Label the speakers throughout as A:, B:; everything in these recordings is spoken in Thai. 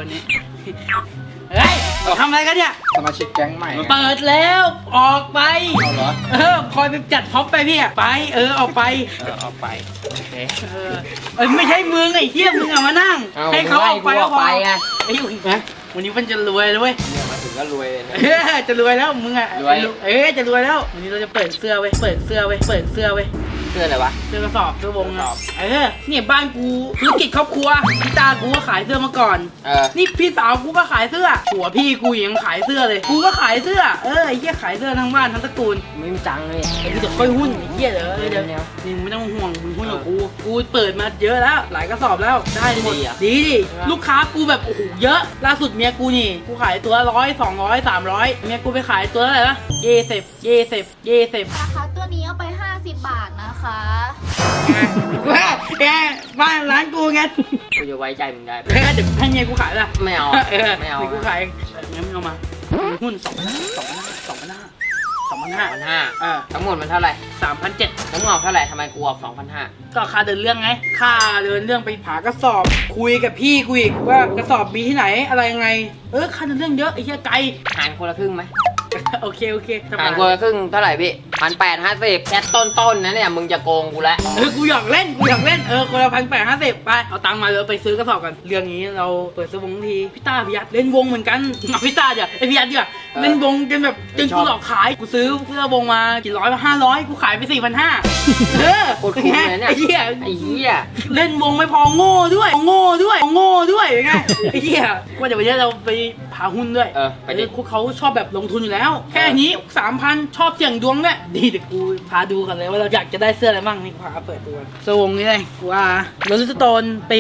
A: วันนี้เฮ้ยทำอะไรกันเนี่ย
B: สมาชิกแก๊งใหม่
A: เปิดแล้วออกไป
B: เอาเหรอ
A: คอยไปจัดพ็อปไปพี่อะไปออกไป
B: ออกไปโอเค
A: ไม่ใช่มึงไอ้เหี้ยมึงอะมานั่งให้เขาออกไปก็พอไงไอ้ยุ่งนะวันนี้มันจะรวยเลยเว้ย
B: เนี่ยมาถึงก็รวยเลย
A: จะรวยแล้วมึงอะ
B: รวย
A: จะรวยแล้ววันนี้เราจะเปิดเสื้อเว้ยเปิดเสื้ออะไรวะเสื้อกระสอบเสื้อวงเนี่ยบ้านกูธุรกิจครอบครัวพี่ตากูก็ขายเสื้อมาก่อนนี่พี่สาวกูก็ขายเสื้อหัวพี่กูยังขายเสื้อเลยกูก็ขายเสื้อไอ้เหี้ยขายเสื้อทั้งบ้านทั้งตระกูล
B: ไม่มีจังเลย
A: ไอ้ที่จะค่อยหุ้นไอ้เหี้ยเดี๋ยวนี่ไม่ต้องห่วงมึงหุ้นกับกูเปิดมาเยอะแล้วหลายกระสอบแล้วได้หมดดีลูกค้ากูแบบโอ้โหเยอะล่าสุดเมียกูนี่กูขายตัว100 200 300เมียกูไปขายตัวอะไรนะ20
C: ราคาตัวนี้เอาไป50 บาทนะคะ
A: แกบ้านร้านกูไง
B: กูจะไว้ใจมึงได้
A: เดี๋ยวให้เมียกูขายละ
B: ไม่เอา
A: กูขายงั้นเอามาหุ้น2,500
B: ทั้งหมดมันเท่าไหร่
A: 3,700
B: ทั้งหมดเท่าไหร่ทำไมกูออก 2,500
A: ก็ค่าเดินเรื่องไงค่าเดินเรื่องไปผากระสอบคุยกับพี่กูอีกว่ากระสอบมีที่ไหนอะไรยังไงค่าเดินเรื่องเยอะไอ้เหี้ยไกล
B: หารคนละครึ่งไหม
A: โอเค
B: หารคนละครึ่งเท่าไหร่พี่1,850แค่ต้นนะเนี่ยมึงจะโกงกูแล้ว
A: กูอยากเล่นคนละ1,850ไปเอาตังค์มาเลยไปซื้อกระสอบกันเรื่องนี้เราเปิดซื้อวงทีพี่ต้าพี่ยัดเล่นวงเหมือนกันพี่ต้าเดี๋ยวไอพี่ยัดเดี๋ยวเล่นวงกันแบบจนกูหลอกขายกูซื้อเสื้อวงมากี่ร้อย500กูขายไป4,500
B: โคตรคุ้มเลยเนี่ยไอ้เหี้ย
A: เล่นวงไม่พอโง่ด้วยไงไอ้เหี้ยว่าเดี๋ยววันนี้เราไปพาหุ้นด้วย
B: ไปดิ
A: เขาชอบแบบลงทุนอยู่แล้วแค่นี้ 3,000 ชอบเสี่ยงดวงเนี่ยดีเดี๋ยวกูพาดูกันเลยว่าเราอยากจะได้เสื้ออะไรบ้างนี่พาเปิดตัวสวงนี่เลยกูว่าโรลิสโตนปี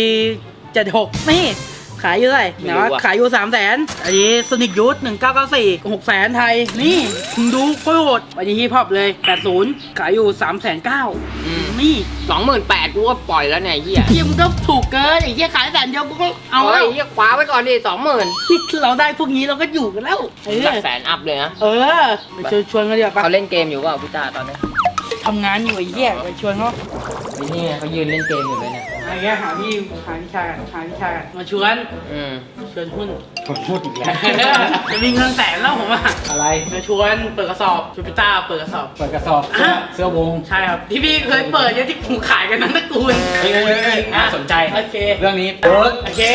A: 76นี่ขายอยู่เท่าไหร่นะว่าขายอยู่300,000อันนี้โซนิกยูท1994 600,000ไทยนี่มึงดูโคตรโหดอันนี้ฮิปฮอปเลย80ขายอยู่390,000นี่
B: 28,000กูก็ปล่อยแล้วเนี่ยเหี้ย
A: มึงก็ถูกเกินไอ้เหี้ยขาย100,000เดียวกูก็เอา
B: ไอ้เหี้ยคว้าไว้ก่อนดิ20,000
A: เราได้พวกนี้เราก็อยู่กันแล้ว
B: หลักแสนอัพเลยนะ
A: ไปชวนกันดีกว่า
B: เขาเล่นเกมอยู่เปล่าพี่ตาตอนนี้
A: ทำงานอยู่ไอ้เหี้ยไปชวนเขา
B: นี่เขายืนเล่นเกมอยู่เลยเนี่ย
A: ไอ้เงี้ยหาพี่ชายมาชวนหุ้นอีกแล้วจะมีเงิน100,000แล้วผม
B: อะไร
A: มาชวนเปิดกระสอบชวนพี่ต้าเปิดกระสอบเสื้อวงใช่ครับที่พี่เคยเปิดเนี่ยที่ผมขายกันนั้นตระกูล
B: น่าสนใจ
A: โอเค
B: เรื่องนี้
A: โอเค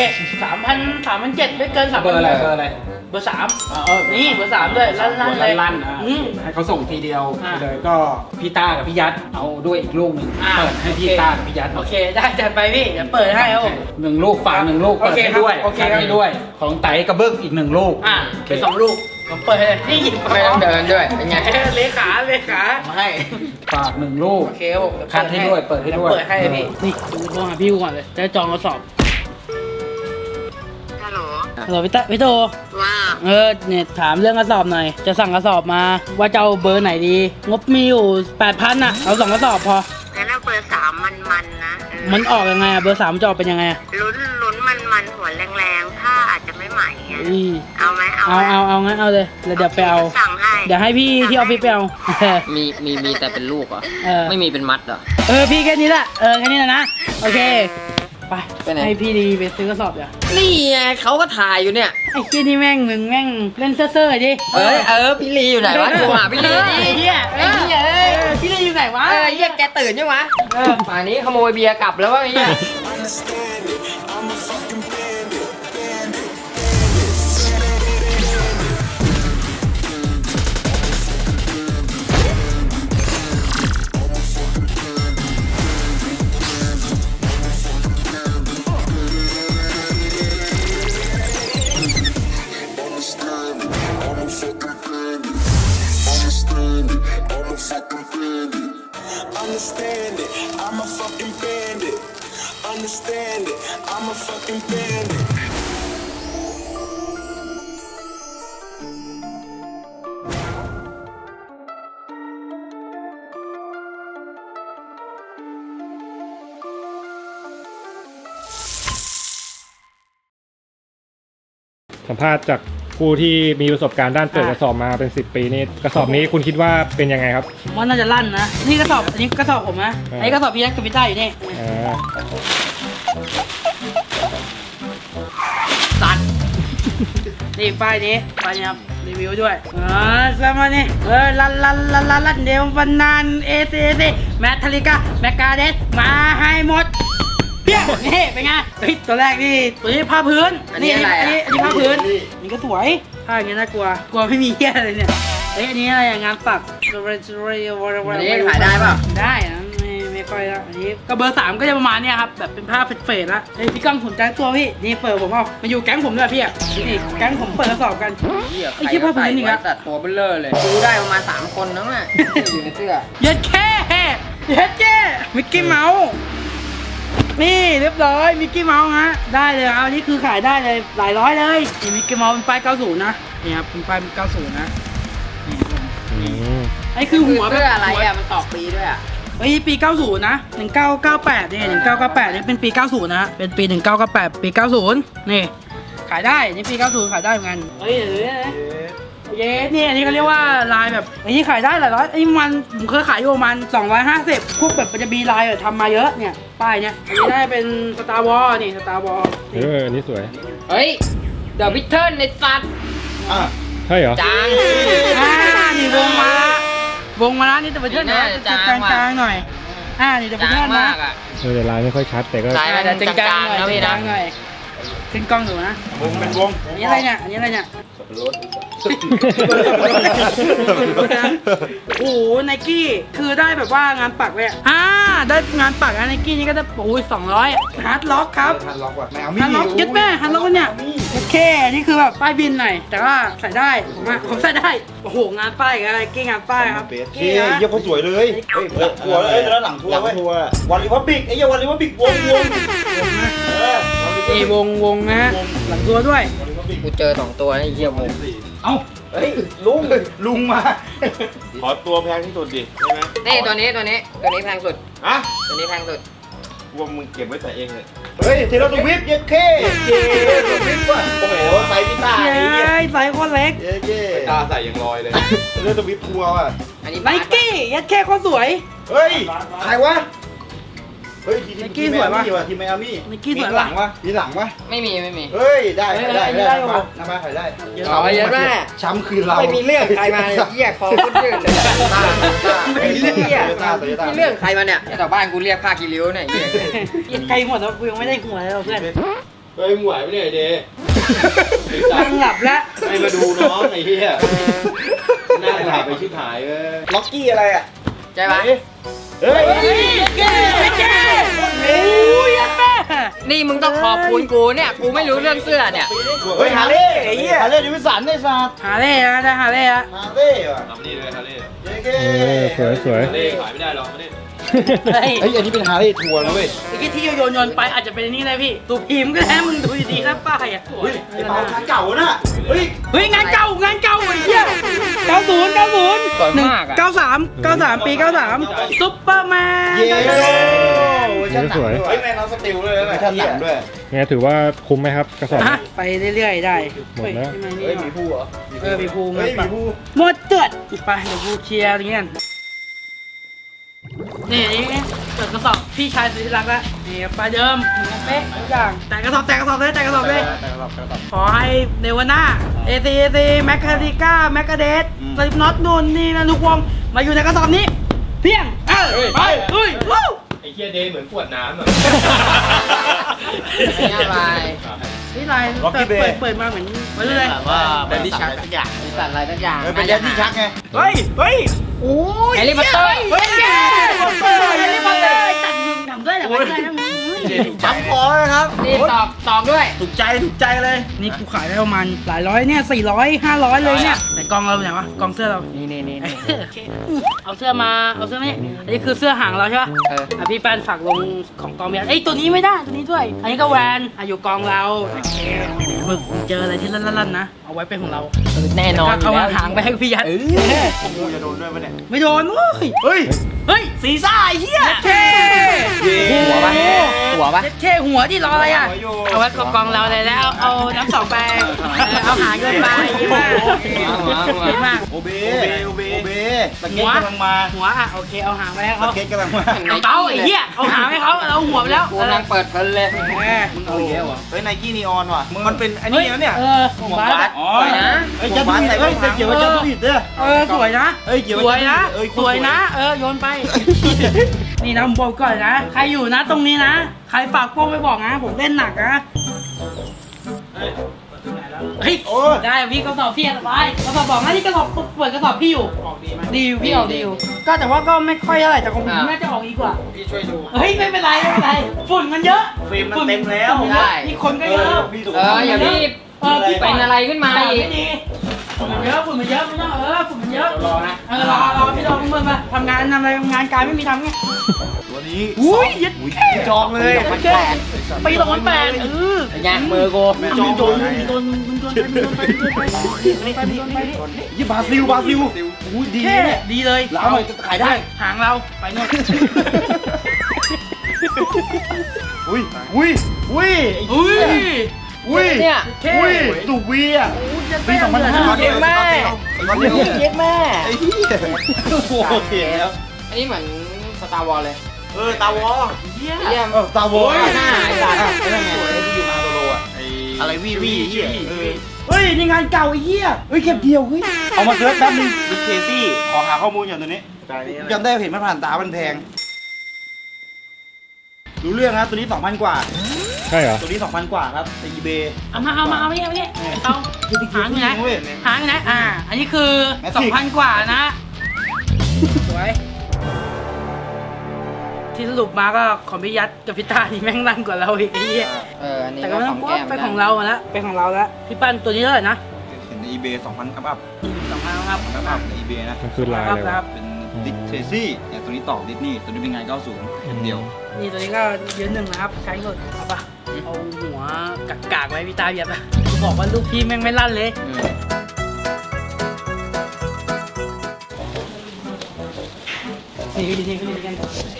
A: 3,700ไม่เกิน3,000
B: เบอร์อะไร
A: เบอร์3นี่เบอร์3ด้วย
B: ลั่นให้เขาส่งทีเดียวเลยก็พี่ต้ากับพี่ยัดเอาด้วยอีกลูกหนึ่งเปิดให้พี่ต้ากับพี่ยัด
A: โอเคได้จัดไปพี่เดี๋ยวเปิดให้ครับผม
B: 1 ลูกฝาก1 ลูกเปิดให้ด้วยให้ด้วยของไต่กระเบื้องอีก1 ลูก
A: เป็น2 ลูกผมเปิดให้นี่หยิบ
B: ไม่ต้องเดินด้วยเป็นไง
A: เลขา
B: มาให้ฝาก1 ลูก
A: โอเคครับผม
B: คัดให้ด้วยเปิดให้ด้วย
A: เปิดให้พี่นี่ดูโทรหาพี่ก่อนเลยจะจองกระสอบฮัลโหลพี่โตว่าเนี่ยถามเรื่องกระสอบหน่อยจะสั่งกระสอบมาว่าจะเอาเบอร์ไหนดีงบมีอยู่ 8,000น่ะเอา2 กระสอบพอ
C: งั้นเอาเบอร์3มันนะ
A: มันออกยังไงเบอร์3จะออกเป็นยังไง
C: ลุ้นมันหัวแรงๆถ้าอาจจะไม่ใหม่เอาไหม
A: เอางั้นเอาเลยแล้วเดี๋ยวไปเอาเดี๋ยวให้พี่ที่ออฟฟิศไปเอา
B: มีแต่เป็นลูกเหรอไม่มีเป็นมัดเหรอ
A: พี่แค่นี้แหละแค่นี้นะโอเคไปให้พี่ดีไปซื้อกระสอบเดี๋ยว
B: นี่ไงเขาก็ถ่ายอยู่เนี่ย
A: ไอ้ที่นี่แม่งเล่นเซ่อๆดิ
B: พี่ลีอยู่ไหนวะโทรหาพี่ลีดิ
A: พี่ลีอยู่ไหนวะ
B: เหี้ยแกตื่นยังวะป่านนี้ขโมยเบียร์กลับแล้ววะเหี้ย
D: Understand it, I'm a fucking bandit. Understand it, I'm a fucking bandit.
E: สัมภาษณ์จากผู้ที่มีประสบการณ์ด้านเปิดกระสอบมาเป็น10 ปีนี่กระสอบนี้คุณคิดว่าเป็นยังไงครับ
A: ว่าน่าจะลั่นนะนี่กระสอบอันนี้กระสอบผมนะไอ้กระสอบพี่ยักษ์กับพี่ต้าอยู่นี่
B: ตัด
A: นี่ป้ายนี้ครับรีวิวด้วยสมานี่ลันเดวฟันนันเอเซแมทลิกาแมกกาเดสมาให้หมดเปี้ยนี่เป็นไงเฮ้ยตัวแรกนี่ตัวนี้ผ้าพื้นอันนี้ผ้าพื้นนี่ก็สวยผ้าอย่างเงี้ยน่ากลัวไม่มีเหี้ยอะไรเนี่ยอันนี้อะไรงานปัก
F: อันนี้ขายได้ป่ะ
A: ได้นะไม่ค่อยแล้วอันนี้ก็เบอร์ 3ก็จะประมาณเนี้ยครับแบบเป็นผ้าเฟดๆแล้วพี่ก้องสนใจตัวพี่นี่เปิดผมเอามาอยู่แก๊งผมด้วยพี่นี่แก๊งผมเปิดกระสอบกันไอ้ที่ผ้าพื้นนี่ครับ
F: ตัดตัวเบลเลอร์เลยดูได้ประมาณ3คนนั่นแหละอยู่ในเสื้อ
A: เย็ดแค่มิกกี้เมาส์นี่เรียบร้อยมิกกี้เมาส์ฮะได้เลยครับอันนี้คือขายได้เลยหลายร้อยเลยนี่มิกกี้เมาส์เป็นป้าย90นะนี่ครับเป็นป้าย90นะไอ้คือหัว
F: เสื้ออะไรอ่ะมันตอกปีด้วยอ่ะ
A: ไอ้ปี90นะ1998นี่1998นี่เป็นปี90นะเป็นปี1998ปี90นี่ขายได้นี่ปี90ขายได้เหมือนกันเฮ้ยเย้นี่อันนี้เขาเรียกว่าลายแบบอันนี้ขายได้หลายร้อยไอ้มันผมเคยขายอยู่ประมาณ250พวกแบบมันจะมีลายทำมาเยอะเนี่ยป้ายเนี่ยอันนี้ได้เป็นสตาร์วอร์นี่สตาร์วอร์
E: อันนี้สวย
F: เฮ้ยเดอะวิทเทิร์นในสัตว์
E: ใช่เหรอ
F: จาง
A: นี่วงมาแล้วนี่แต่เป็นเทิร์นนะจางๆหน่อยนี่แต่เป็นเทิร์นนะ
E: แต่ลายไม่ค่อยชัดแต่ก็
F: ลายมันจะจางๆนะพี่นะ
A: ขึ้นกล้องดูนะ
B: วงเป็นวง
A: อันนี้อะไรเนี่ยโอ้โหไนกี้คือได้แบบว่างานปักเลยได้งานปักไนกี้นี่ก็ได้โอ้ย200ฮาร์ดล็อกครับ
B: ฮาร์ดล็อกว่ะแมว
A: ฮาร์ดล็อกยึดแม่ฮาร์ดล็อกเนี่ยโอเคนี่คือแบบป้ายบินหน่อยแต่ว่าใส่ได้ผมใส่ได้โอ้โหงานป้ายอะไรกี้งานป้ายครับ
B: กี้เยี่ยมเขาสวยเลยเฮ้ยทัวร์แล้วแล้วหลังทัวร์วันริพับบิกไอ้เยี่ยวันริพับบิกวง
A: นี่วงนะหลังตัวด้วย
F: กูเจอ2ตัวไอ้เหี้ยวง
B: เอ้าเฮ้ยลุงมา
G: ขอตัวแพงที่สุดดิใช่ไหม
F: นี่ตัวนี้แพงสุดตัวนี้แพงสุด
G: ว่ามึงเก็บไว้ใส่เองเลย
B: เฮ้ยเทเลตัววิปเย็ดเคตัววิปว่ะโอ้โหไซส์พิต้า
A: ไซส์คนเล็ก
G: ตาใส่ยังลอยเลย
B: เทเลตัววิปทัวร์ว่ะ
F: อันนี้
A: ไนกี้ยัดแค่คนสวย
B: เฮ้ยใครวะเฮ้ยทีมสวยป่ะทีมไมอามี่มีหลังวะ
F: ไม่มี
B: เฮ้ยได้น้ำมาขายได้
F: เอาเยอะแม่
B: ช้ำคืนเรา
F: ไม่มีเรื่องใครมาเหี้ยคอขึ้นยืดเลยไม่มีเรื่องใครมาเนี่ยแต่บ้านกูเรียกผ้ากีริ้วเนี่ย
A: ไกลหมดแล้วกูยังไม่ได้หัวเลยเพื่อน
G: เฮ้ยหวยไม่ได้เด
A: นั่งหลับแล้ว
G: ให้มาดูน้องไอ้เหี้ยนั่งหลับไปชิบหาย
B: ล็อกกี้อะไรอ่ะ
F: ใช่ไหม
B: เฮ้ย
F: นี่มึงต้องขอบคุณกูเนี่ยกูไม่รู้เรื่องเสื้อเนี่ย
B: เฮ้ยฮาเล่ไอ้เหี้ยฮาเล่ดิวิสันได้สัตว์
A: ฮาเล่นะได้ฮาเล่
B: ฮาเล่ว่ะ
G: ทำนี่ด้วยฮาเล่
E: สวย
G: ฮาเล่ขายไม่ได้หรอกมาเนี่ย
B: เฮ้ยอันนี้เป็นฮาเล่ทัวร์นะเว้ย
A: ที่โยนไปอาจจะเป็นนี่เลยพี่ตัวพิมพ์ก็แล้วมึงดูดีๆนะป้ายอ่ะ
B: เฮ้ยไอ้เปางานเก่าน่ะ
A: เฮ้ยงานเก่าไอ้เหี้ย90 93ปี93ซุปเปอร์แมน
B: สวยเฮ้ยแมนเอาสติลเลยนะชั้นหลังด้วย
E: ไงถือว่าคุ้มไหมครับกระสอบ
A: ไปเรื่อยๆได้
E: หมดแล้ว
B: เฮ้ยมีผู้เหรอ
A: มีผู้หมดเตือดไปเดี๋ยวผู้เคลียร์อย่างเงี้ยนี่เปิดกระสอบพี่ชายสุดที่รักแล้วนี่ปลาเดิมเป๊ะทุกอย่างแต่กระสอบเลยขอให้เนวาน่าเอซีแมคคาริก้าแมคคาเดสสลิปน็อตนู่นนี่นะทุกวงมาอยู่ในกระสอบนี้เพียงไปวู้
G: ไอ้เหี้ยเดย์เหมือนขวดน้ำอ่ะ
A: นี่ลายเปิดมาเหมือนเลย
F: ว่าเป็นที่ชักทุกอย่างมีสัตว์อะไรทุกอย่าง
B: เป็นยันที่ชักไง
A: เฮ้ยโอ้ย
F: แฮร์รี่พอตเตอร์
A: แฮร์รี่พอตเตอร์จัดยิงทำด้วยเหรอไม่ใช่นะ
B: ช้ำคอนะครับ
F: นี่ตอกด้วย
B: ถูกใจเลย
A: นี่กูขายได้ประมาณหลายร้อยเนี่ย400 500เลยเนี่ยแต่กองเราไหนวะกองเสื้อเรา
F: นี่
A: เอาเสื้อมานี่อันนี้คือเสื้อหางเราใช่ปะพี่แป้นฝากลงของกองเมียตัวนี้ไม่ได้ตัวนี้ด้วยอันนี้ก็แวนอยู่กองเรามึงเจออะไรที่ลั่นๆนะเอาไว้เป็นของเรา
F: แน่นอน
A: เอาหางไปให้พี่ยัด
B: จะโดนด้วยปะเนี่ย
A: ไม่โดนเฮ้ยสีซ่าไอ้เหี้ย
F: หัวปะ
A: หัวที่รออะไรอ่ะเอาไว้กองเราเลยแล้วเอาน้ำ2 แปรงเอาหางเกินไปดีมาก
B: โอเบสเก็ตกำลังมา
A: หัวโอเคเอาหางไปให้เขา
B: สเก็ตกำลังมา
A: เอาไอ้เหี้ยเอาหางให้เขาเราหัวไปแล้ว
F: กูกำลังเปิดเพลินเลย
B: มึงเอาอีกแล้วเหรอ
G: เฮ้ยไนกี้นีออนว่ะมันเป็นอันนี้นะเนี่ย
A: ของบาส
G: อ๋อ
F: สวยนะ
G: เฮ้ยจะดูผิดเฮ้ยเกี่ยวกับจะดูผิดเด้อ
A: สวยนะ
G: เอ้ยเกี่ยว
A: ส
G: กับ
A: วยนะ
G: เอ้ย
A: สวยนะ โยนไป นี่นะผมบอกก่อนนะ ใครอยู่นะตรงนี้นะ ใครฝากพวกไปบอกนะ ผมเล่นหนักนะ เฮ้ย ได้พี่กระสอบพี่สบายกระสอบบอกนะที่กระสอบเปิดกระสอบพี่อยู่
B: ออกดีไหม
A: ดีอยู่พี่ออกดีอยู่ ก็แต่ว่าก็ไม่ค่อยเท่าไหร่แต่ของผมน่าจะออกดีกว่า
B: พี่ช่วยดู
A: เฮ้ยไม่เป็นไรไม่เป็นไรฝุ่นมันเยอะ
G: ฟิล์มมันเต็มแล้ว
A: ฝุ่นนเยอะมีคนก็เยอะ
G: พี่ถูก
F: อย่ารีบ
A: พี่
F: เป็นอะไรขึ้นมาอีก
A: ไม่ดีฝุ่นมันเยอะฝุ่นมันเยอะไม่ต้องฝุ่นมันเยอะ
B: รอนะ
A: รอพี่รอมึงมาทำงานทำอะไรงานการไม่มีทำไง
G: ตัวนี้
A: อุ้ยยัด
G: จองเลย
A: แค่ปี2008
F: ไงมือกู
G: จองโดน ยี่บราซิลอุ้ยดี
A: แค่
G: เนี่ย
A: ดีเลย
G: แล้วหน่อยขายได้
A: หางเราไปโน่น
G: อุ้ยอุ้ยอุ้ย
A: อุ้ย
G: อุ้ย
F: เนี่ย
G: อุ้ยสูบวีอ่ะปี2005
F: เย็ดแม่ เย็ดแม่
G: ไอ้เหี้ยโอเคแล้ว
F: อันนี้เหมือนสตาร์วอลเลย
G: ตาวอ
A: เยี่ย
F: เยี่ยม
G: ตาวอ
F: หน้าไอ้สัตว์
G: สวยที่อยู่มาโซโลอ่ะอะไรวีเหี้ย
A: เฮ้ยนี่งานเก่าไอ้เหี้ยเฮ้ยเก็บเดียวเฮ้ย
G: เอามาเซิร์ชแป๊บนึงดิเคซี่ขอหาข้อมูลอย่างตัวนี้จำได้เห็นมันผ่านตามันแพงรู้เรื่องนะตัวนี้ 2,000 กว่า
E: ใช่เหรอ
G: ตัวนี้ 2,000 กว่าครับใน eBay
A: เอามาเนี่ยเอาหางอยู่ไหน
G: เว้ย
A: หางอยู่ไหนอันนี้คือ
G: Matrix
A: 2,000 กว่านะสวยที่สรุปมาก็ของพี่ยัดกับพี่ตาที่แม่งรันกว่าเราอีกไอ้เหี้ย
F: อันนี้
A: แต่
F: ก็
A: ก็ไม่
F: ข
A: ต้
F: อ
A: อง
F: ง
A: กลัว
F: แก้ม
A: ไปของเรามาแล้วไปของเราแล้วพี่ปั้นตัวนี้เท่าไหร่นะ
G: เห็นใน eBay 2,000 อัพ
A: 2,000ครับ
G: ใน eBay นะ
E: มันคือลาย
A: ครับ
E: เลย
A: ครั
E: วะ
A: บ
G: เป็นดิเคซี่เนี่ยตัวนี้ต่อดิสนีย์ตัวนี้เป็นไง90เดียว
A: นี่ตัวนี้ก็ยืนหนึ่งนะครับใช้ก่อนเอาปะเอาหัวกากๆไว้พี่ตาเหยียบอะบอกว่าลูกพี่แม่งไม่ลั่นเลยนี่กัน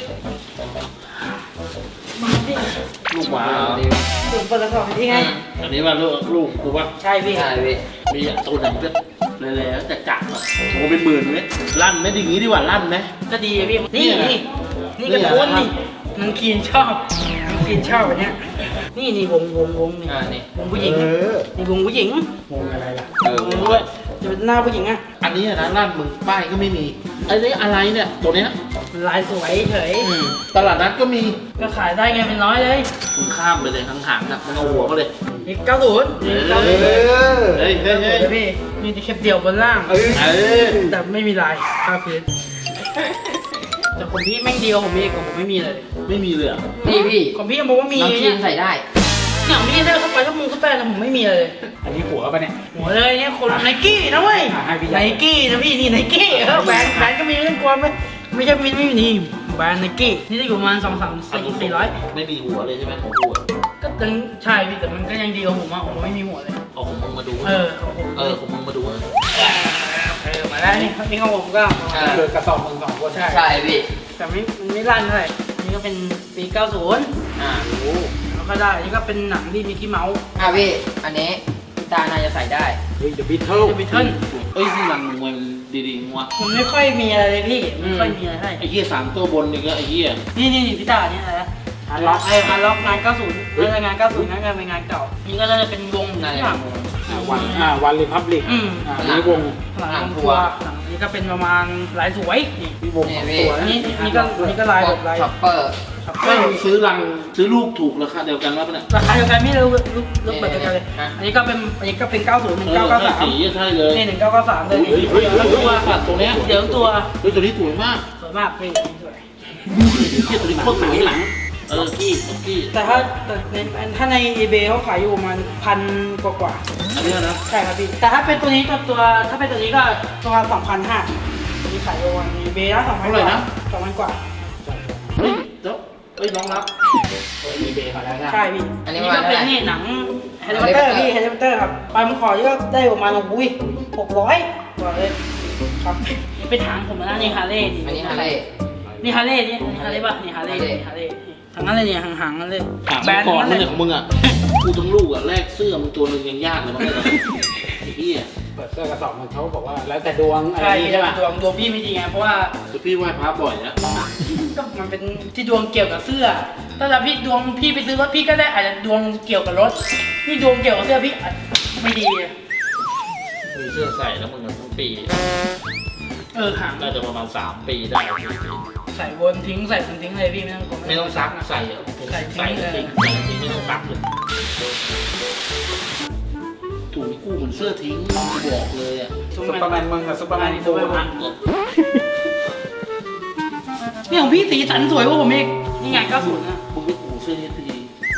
A: มาดิ
H: ลูกหมาเหรอ
A: ถึงเปิดกระสอบที่ไง
H: อันนี้ว่าลูกกูว่า
A: ใช่พี่
F: ใช่พี่
H: มีตัวไหนก็เลยๆจะจับอ่ะโอ้เป็นหมื่นเลยลั่นไหมดีงี้ดีกว่าลั่นไหม
A: ก็ดีอะพี่นี่กระโดนนี่มันคีนชอบมันคีนชอบแบบเนี้ยนี่วงนี่
F: นี่
A: วงผู้หญิงนี่วงผู้หญิง
B: งงอะไรล่ะ
A: วงด้วยจะเป็นหน้าผู้หญิงอะ
H: อันนี้นะลั่นมึงป้ายก็ไม่มีไอ้นี่อะไรเนี่ยตัวเนี้ย
A: มันลายสวยเฉย
H: ตลาดนัดก็มี
A: ก็ขายได้ไงเป็นร้อยเลย
H: คุณข้ามไปเลยทางหางน่ะมันเอาหัวมาเลย
A: นี่90นี่90
H: เฮ้ย
A: พี่มีแต่แค่เดี่ยวบนล่าง แต่ไม่มีลายภาพพื้นแต่ของพี่แม่งดีกว่าผมอีกของผมไม่มีเลย
H: ไม่มีเลย
F: นี่พี่
A: ของพี่ยังบอกว่ามี
F: น้องคี
A: เนี่ย
F: นใส่ได้
A: อย่างพี่ได้เข้าไปก็มุงเข้าไปแต่ผมไม่มีเลย
B: อันนี้หัวปะเนี่ย
A: หัวเลยเนี่ยคนไนกี้นะเว้ย
B: ให้พี่
A: ไนกี้นะพี่นี่ไนกี้แบรนด์ก็มีเรื่องกลัวไหมไม่ใช่ไม่มีนี่แบรนด์ไนกี้นี่จะอยู่ประมาณ2-3-400
H: ไม่มีหัวเลยใช่ไหมของกูอะ
A: ก็ยังใช่พี่แต่มันก็ยังดีกว่าผมอ่ะผมไม่มีหัวเลย
H: เอาของมึงมาดู
A: ของผม
H: ของมึงมาดู
A: มาแล้วนี่ของผมก็
B: คือกระสอบมึง2 คน
A: ใช่
F: ใช่พี่
A: แต่มันไม่ลั่นเท่าไหร่นี่ก็เป็นปี90แล้วก็ได้นี่ก็เป็นหนังที่มิกกี้เมาส์
F: พี่ อันนี้พี่ตาน่าจะใส่ได้
B: เฮ้ย The Beatles
A: จะบิทเทิล
H: เอ้ยที่รังมวยดีๆวะ
A: มันไม่ค่อยมีอะไรเลยพี่ไม่ค่อยมีอะไรให้
H: ไอ้เหี้ย3ตัวบนนี่ก็ไอ้เหี้ย
A: นี่พี่ตาเนี่ยอะไรนะฮาร์ล็อกงาน90แล้วงาน90นั้นก็เป็นงานเก่านี่ก็จะเป็นวง
F: น่า
A: ที่
F: จะ
A: แบบ
B: วันรีพับลิกอันนี้วง
A: หลังทัวร์หลังนี้ก็เป็นประมาณลายสวยนี่
B: วง
F: นี่
B: ของ
F: พี่
B: ตัว
A: นี่ก็ลายแบบลาย
F: ช็อปเปอร์
A: ช็อป
H: เฮ้ย
A: เปอร์
H: ซื้อลูกถูกราคาเดียวกันวะเนี่ย
A: ราคาเดียวกันไม่รู้ลูกแบบเดียวกันเลยอันนี้ก็เป็น90 1993
H: สีใช่เลย
A: นี่1993เลย
H: เฮ้ยตัวสัตว์ตัวเนี้ย
A: เดี๋ยวตัว
H: เฮ้ยตัวนี้สวยมาก
A: สวยมากพี่สวย
H: เหี้ยตัวนี้โคตรสวยหลังกี้
A: แต่ถ้าใน eBay เขาขายอยู่ประมาณ1,000 กว่า
H: อันนี้นะ
A: ใช่ครับพี่แต่ถ้าเป็นตัวนี้ถ้าเป็นตัวนี้ก็ประมาณ2,500มีขายอยู่ใน eBay นะ2,000 กว่า2,000 กว่า
H: เฮ้ยเจ้าเฮ้ยน้องรับ
B: มีเบย์มาแล้วนะ
A: ใช่พี่
F: อันนี้
A: ก็เป็นนี่หนังเฮลิคอปเตอร์พี่เฮลิคอปเตอร์ครับไปมึงขอนี่ก็ได้ประมาณ600กว่าเลยครับนี่เป็นถังผมนะนี่ฮาร์เลย์
F: อันนี้ฮาร์เลย์
A: นี่ฮาร์เลย์นี่ฮาร์เลย์ป่ะนี่ฮาร์เลย์ทั้งนั้นเลยเนี่ยห่างๆนั่นเลย
H: ถามก่อนนั่นเลยของมึงอ่ะกูทั้งลูกอ่ะแลกเสื้อมึงตัวนึงยังยากเลยมั้งไอ้เหี้ย
B: เปิดเสื้อกระสอบมันเขาบอกว่าแล้วแต่ดวงอะไร
A: ใช่
B: ใช่ไหม
A: ดวงพี่ไม่ดีไงเพราะว่า
H: พี่ไหว้พระบ่อยนะ
A: ก็มันเป็นที่ดวงเกี่ยวกับเสื้อถ้าพี่ดวงพี่ไปซื้อรถพี่ก็ได้อาจจะดวงเกี่ยวกับรถนี่ดวงเกี่ยวกับเสื้อพี่อาจไม่ดี
H: มีเสื้อใส่แล้วมึงทั้งปี
A: หาง
H: น่าจะประมาณ3 ปีได้
A: ใส่วนทิ้งใส่วนทิ้งเลยพี่ไม่ต้องกลัว
H: ไม่ต้องซักใส่อะ
A: ใส่
H: ใส่
A: ทิ้ง
H: จ
A: เล
H: ริ
A: ย
H: งจริงไม่ต้องซักเลยถุงกู้เหมือนเสื้อทิ้งบอกเลยอ่ะ
B: ซุปเปอร์แมนมึงกับซุปเปอร์แมน
A: ซุปเปอร์แมนนี่ของพี่สีสันสวยกว่าผมอีกนี่ไง90นะ
H: มึงไปกู้เสื้อนี้ที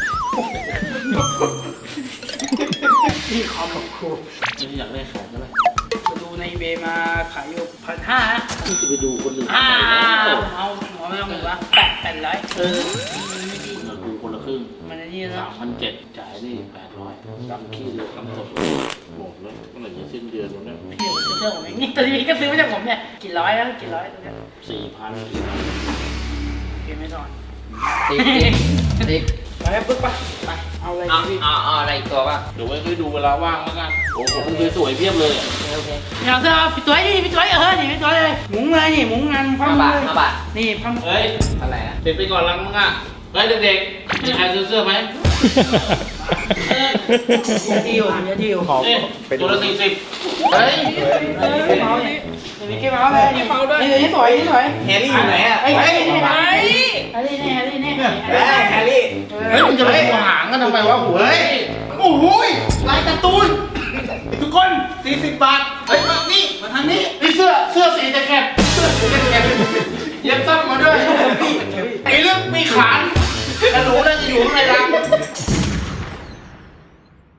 A: นี่คอมของครู
H: ไม่อยากได้ขายก็ได้
A: ดูในเบมาขายอยู่1,500นะ
H: พี่จะไปดูคนอื่น
A: เอาไม่ต้องหมดละ800
H: เราดูคนละครึ่ง
A: มันนี่นะ
H: 3,700จ่ายนี่800กำขี้เลยกำสดโอ้แล้วเมื่อไหร่จะสิ้นเดือนแล้วเนี่ย
A: พี่ซื้อเสื้อผมเองนี่ตอนนี้พี่ก็ซื้อมาจากผมเนี่ยกี่ร้อยแล้วกี่ร้อยตัวเนี้ย
H: 4,000
A: พี่ไม่นอน
F: ติ๊ก
A: ไปปึ๊กไปเอาอะไร
F: เอา
A: พี่
F: เอาอะไรอีกตัวป่ะ
H: เดี๋ยวไว้ค่อยดูเวลาว่างแล้วกันโอ้โหคุณสวยๆเพียบเลย
F: โอเค
A: อย่างเสื้อพี่ตัวนี่พี่ตัวนี่พี่ตัวเลยหมุงเลยนี่หมุงงานพั
F: 5
A: ม
F: บาท
A: เลย
F: 5 บาท
A: นี่พัม
H: เฮ้ย
F: อะไรนะ
H: ติดไปก่อนลังมึงอ่ะเฮ้ยเด็กๆมีใครซื้อเสื้อไหม
A: อย่าดิวอย่าดิว
H: เอ๊ะตัวละ40เฮ้ย
A: เมาส์นี่มีแค่เมาส์เลยนี่เมาส์ด้วยนี่สวยนี่สวย
G: แฮร์รี่อยู่ไหนอ่ะ
A: ไอ้ไอ้นี่ไอ้นี่นี่ไอ้นี่นี่
G: แฮร์รี่
H: เฮ้ยมึงจะไปหัวหางกันทำไมวะหัวเฮ้ย
G: โอ้โหลายการ์ตูนทุกคน40 บาทเฮ้ยมานี่มาทางนี้
H: นี่เสื้อสีแจ็คเก็ตเย็บซ้ำมาด้วยมีเรื่องมีขานกระหนูน่าจะอยู่ข้างในรัง